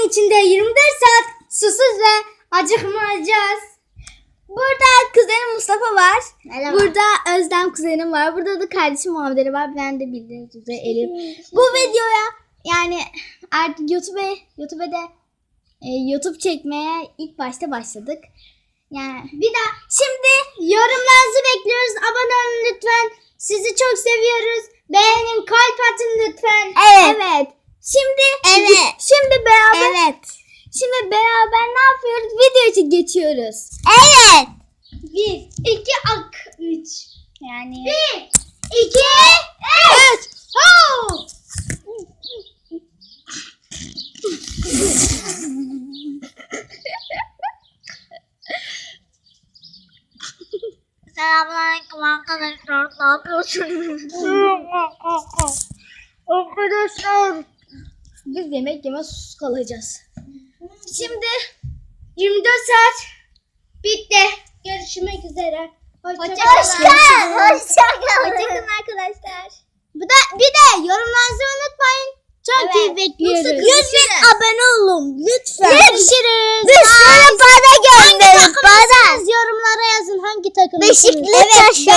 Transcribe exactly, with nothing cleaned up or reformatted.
gün içinde yirmi dört saat susuz ve acıkmayacağız. Burada kuzenim Mustafa var. Merhaba. Burada Özlem kuzenim var. Burada da kardeşim Muhammed'leri var. Ben de bildiğiniz üzere Elif. Bu videoya yani artık YouTube'a YouTube'da e, YouTube çekmeye ilk başta başladık. Yani bir daha şimdi yorumlarınızı bekliyoruz. Abone olun lütfen. Sizi çok seviyoruz. Beğenin, kalp atın lütfen. Evet. Evet. Şimdi Evet. şimdi beraber Evet. şimdi beraber ne yapıyoruz? Video için geçiyoruz. Evet. Bir, iki, ak, üç. Yani. Bir, iki, üç. Ho! Selamünaleyküm arkadaşlar. Ne yapıyorsunuz? Arkadaşlar. Biz yemek yemez sus kalacağız. Şimdi yirmi dört saat bitti. Görüşmek üzere. Hoşçakalın. Hoşçakalın. Hoşçakalın. Hoşçakalın arkadaşlar. Bu da bir de yorumlarınızı unutmayın. Çok Evet. iyi bekliyoruz. Lütfen abone olun. Lütfen. Görüşürüz. Bir sürü para gönderin. Bana. Yorumlara yazın hangi takım. Beşiktaş.